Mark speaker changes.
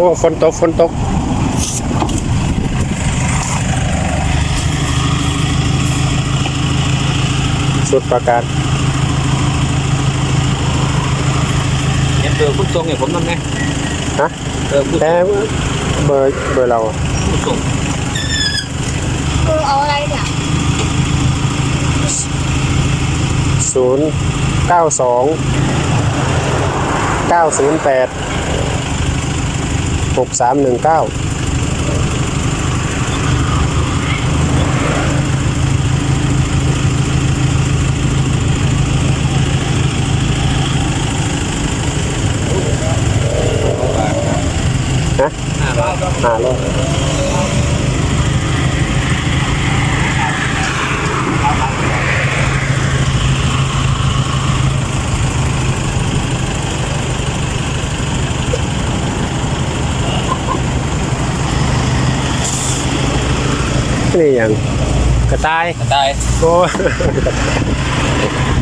Speaker 1: อ้ฝนตกสุดประการ
Speaker 2: เบอร์คุณทรงเนี่ยผมนั่นไง
Speaker 1: ฮะ แต่เบอร์เรา
Speaker 2: คุณทรง
Speaker 3: เอาอะไรเนี่ย
Speaker 1: 092 908 6319ฮะ 500นี่อย่างกระต่าย
Speaker 2: ได้
Speaker 1: โอ้